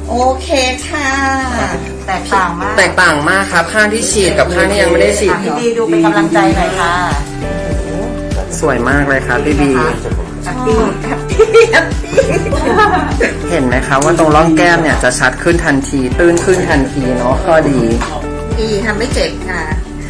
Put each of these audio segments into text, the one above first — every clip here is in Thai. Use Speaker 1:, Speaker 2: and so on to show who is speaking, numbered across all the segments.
Speaker 1: โอเคค่ะ
Speaker 2: แตกต่างมาก
Speaker 3: ครับข้างที่ฉีดกับข้างที่ยังไม่ได้ฉีด
Speaker 2: พี่บีดูเป็นกำลังใจหน่อยค่ะ
Speaker 3: สวยมากเลยครับพี่บีเห็นไหมครับว่าตรงร่องแก้มเนี่ยจะชัดขึ้นทันทีตื้นขึ้นทันทีเนาะข้อดี
Speaker 1: ทำไม่เจ็บค่ะ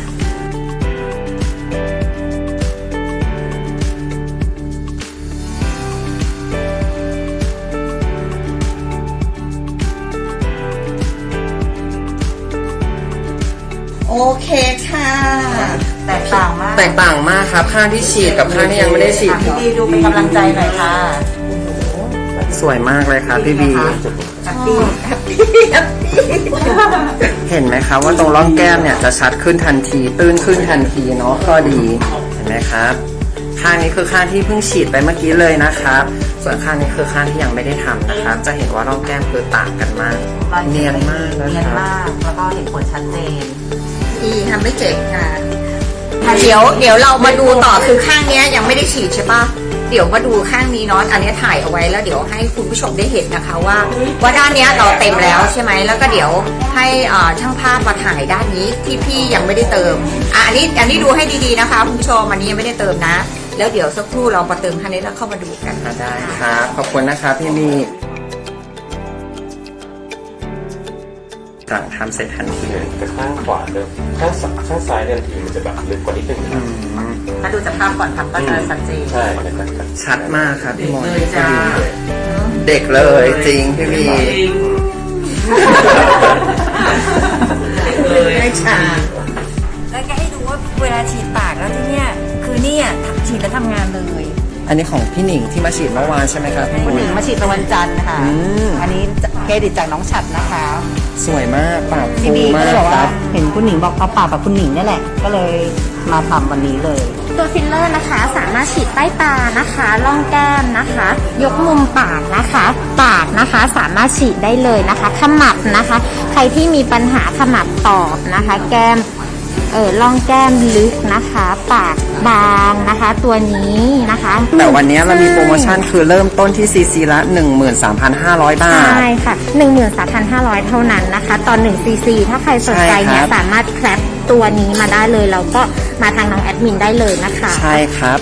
Speaker 1: โอเคค่ะ
Speaker 2: แตกต่าง
Speaker 3: มากครับข้างที่ฉีดกับข้างที่ยังไม่ได้ฉีด
Speaker 2: พี่บีดูเป็นกำลังใจหน่อยค่ะ
Speaker 3: สวยมากเลยครับพี่บีเห็นไหมครับว่าตรงร่องแก้มเนี่ยจะชัดขึ้นทันทีตื้นขึ้นทันทีเนาะข้อดีเห็นไหมครับข้างนี้คือข้างที่เพิ่งฉีดไปเมื่อกี้เลยนะครับส่วนข้างนี้คือข้างที่ยังไม่ได้ทำนะครับจะเห็นว่าร่องแก้มคือต่างกันมากเนียนมาก
Speaker 2: แล้วก็เห็นผลชัดเจน
Speaker 1: ทำไม่เจ็บค่ะเดี๋ยวเรามาดูต่อคือข้างนี้ยังไม่ได้ฉีดใช่ปะเดี๋ยวมาดูข้างนี้เนาะอันนี้ถ่ายเอาไว้แล้วเดี๋ยวให้คุณผู้ชมได้เห็นนะคะว่าด้านนี้เราเต็มแล้วใช่ไหมแล้วก็เดี๋ยวให้ช่างภาพมาถ่ายด้านนี้ที่พี่ยังไม่ได้เติมอันนี้ดูให้ดีๆนะคะคุณผู้ชมอันนี้ยังไม่ได้เติมนะแล้วเดี๋ยวสักครู่เรามาเติมคันนี้แล้วเข้ามาดูกัน
Speaker 3: ได้ครับขอบคุณนะครับพี่มีสั่งทำเสร็จทันที
Speaker 4: แต่ข้างขวาเดิมข้างซ้ายเดิมทีมันจะแบบลึกกว่านิดนึง
Speaker 2: ถ้าดูจากภาพก่อนทำก็จะชัดเจน
Speaker 4: ใช่
Speaker 3: ชัดมากครับพี่มนเด็กเลยจริงพี่มี
Speaker 1: ไม่ช้า
Speaker 2: แล้วก็ให้ดูว่าเวลาฉีดปากแล้วที่เนี่ยคือเนี่ยฉีดแล้วทำงานเลย
Speaker 3: อันนี้ของพี่หนิงที่มาฉีดเมื่อวานใช่ไหมครับ
Speaker 2: พี่หนิงมาฉีดวันจันทร์ค่ะอันนี้เครดิตจากน้องฉัดนะคะ
Speaker 3: สวยมากปากฟูมาก
Speaker 2: ครับเห็นคุณหนิงบอกเอาปากกับคุณหนิงนี่แหละก็เลยมาทำวันนี้เลย
Speaker 5: ตัวฟิลเลอร์นะคะสามารถฉีดใต้ตานะคะร่องแก้มนะคะยกมุมปากนะคะปากนะคะสามารถฉีดได้เลยนะคะขมับนะคะใครที่มีปัญหาขมับตอบนะคะแก้มร่องแก้มลึกนะคะปากบางนะคะตัวนี้นะคะ
Speaker 3: แต่วันนี้เรามีโปรโมชั่นคือเริ่มต้นที่ซีซีละ 13,500 บาท
Speaker 5: ใช่ค่ะ 13,500 เท่านั้นนะคะตอน1ซีซีถ้าใครสนใจเนี่ยสามารถแคปตัวนี้มาได้เลยแล้วก็มาทางน้องแอดมินได้เลยนะคะ
Speaker 3: ใช่ครับ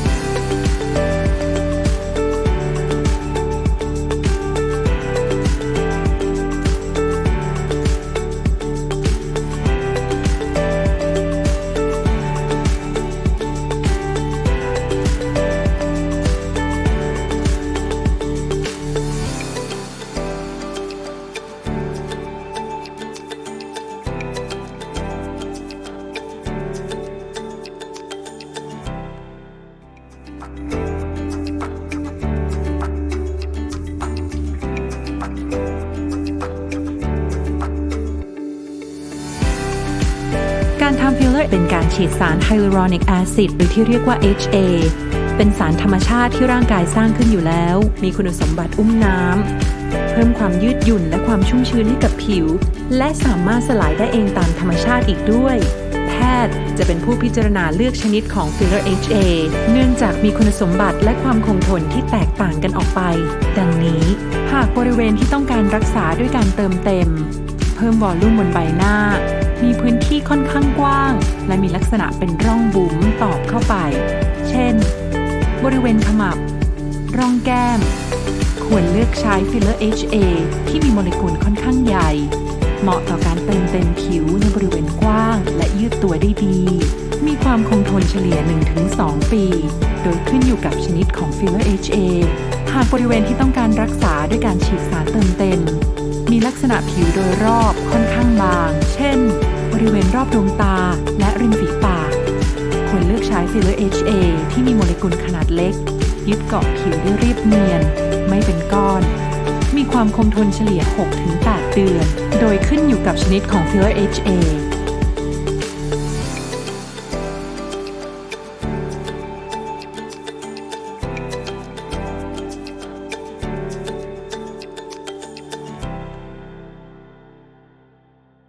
Speaker 6: การทำฟิลเลอร์เป็นการฉีดสารไฮลูรอนิกแอซิดหรือที่เรียกว่า HA เป็นสารธรรมชาติที่ร่างกายสร้างขึ้นอยู่แล้วมีคุณสมบัติอุ้มน้ำเพิ่มความยืดหยุ่นและความชุ่มชื้นให้กับผิวและสามารถสลายได้เองตามธรรมชาติอีกด้วยแพทย์จะเป็นผู้พิจารณาเลือกชนิดของฟิลเลอร์ HA เนื่องจากมีคุณสมบัติและความคงทนที่แตกต่างกันออกไปดังนี้หากบริเวณที่ต้องการรักษาด้วยการเติมเต็มเพิ่มวอลลุ่มบนใบหน้ามีพื้นที่ค่อนข้างกว้างและมีลักษณะเป็นร่องบุ๋มตอบเข้าไปเช่นบริเวณขมับร่องแก้มควรเลือกใช้ฟิลเลอร์ HA ที่มีโมเลกุลค่อนข้างใหญ่เหมาะต่อการเติมเต็มผิวในบริเวณกว้างและยืดตัวได้ดีมีความคงทนเฉลี่ย 1-2 ปีโดยขึ้นอยู่กับชนิดของฟิลเลอร์ HA หากบริเวณที่ต้องการรักษาด้วยการฉีดสารเติมเต็มมีลักษณะผิวโดยรอบค่อนข้างบางเช่นบริเวณรอบดวงตาและริมฝีปากควรเลือกใช้ฟิลเลอร์ HA ที่มีโมเลกุลขนาดเล็กยึดเกาะผิวได้เรียบเนียนไม่เป็นก้อนมีความคงทนเฉลี่ย 6-8 เดือนโดยขึ้นอยู่กับชนิดของฟิลเลอร์ HA